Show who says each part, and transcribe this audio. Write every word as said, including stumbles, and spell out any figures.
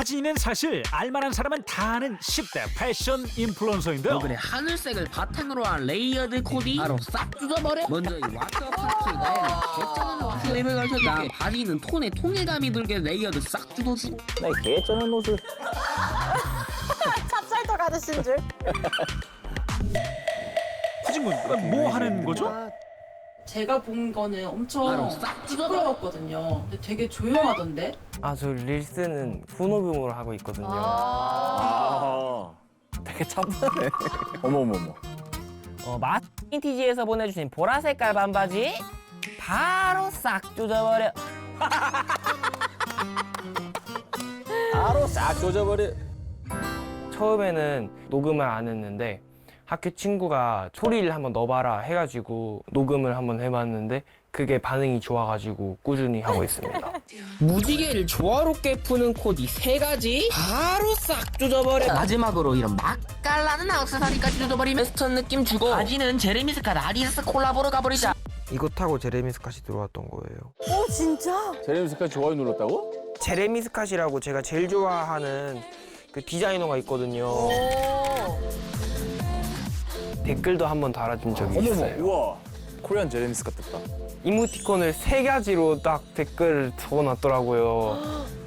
Speaker 1: 하진이는 사실 알만한 사람은 다 아는 십 대 패션 인플루언서인데요.
Speaker 2: 얼굴에 하늘색을 바탕으로 한 레이어드 코디 바로 싹 뜯어버려. 먼저 이 와터 파츠 나에는 개쩌는 와플립을 걸쳐줄게. 바지는 톤에 통일감이 들게 레이어드 싹 뜯어주고.
Speaker 3: 나 개쩌는 옷을.
Speaker 4: 찹쌀떡 아저씨인 줄.
Speaker 1: 하진군 뭐 하는 거죠?
Speaker 5: 제가 본 거는
Speaker 2: 바로
Speaker 5: 엄청
Speaker 2: 싹 뜯어버려.
Speaker 5: 시끄러웠거든요. 근데 되게 조용하던데?
Speaker 6: 아, 저 릴스는 폰오브용으로 하고 있거든요.
Speaker 3: 아. 되게 참하네. 어머머머.
Speaker 6: 어, 마틴티지에서 보내주신 보라색깔 반바지 바로 싹 조져버려.
Speaker 3: 바로 싹 조져버려.
Speaker 6: 처음에는 녹음을 안 했는데 학교 친구가 소리를 한번 넣어봐라 해가지고 녹음을 한번 해봤는데 그게 반응이 좋아가지고 꾸준히 하고 있습니다. 무지개를 조화롭게 푸는 코디 세 가지 바로 싹 조져버려.
Speaker 2: 마지막으로 이런 맛깔나는 액세서리까지 뜯어버리면 웨스턴 느낌 주고. 바지는 제레미 스캇 아디다스 콜라보로 가버리자.
Speaker 6: 이거 타고 제레미 스캇이 들어왔던 거예요.
Speaker 4: 오 진짜?
Speaker 3: 제레미 스캇 좋아요 눌렀다고?
Speaker 6: 제레미 스캇이라고 제가 제일 좋아하는 그 디자이너가 있거든요. 댓글도 한번 달아준 적이
Speaker 3: 어머머.
Speaker 6: 있어요.
Speaker 3: 우와. 코리안 제레미 스캇 됐다.
Speaker 6: 이모티콘을 세 가지로 딱 댓글을 적어놨더라고요.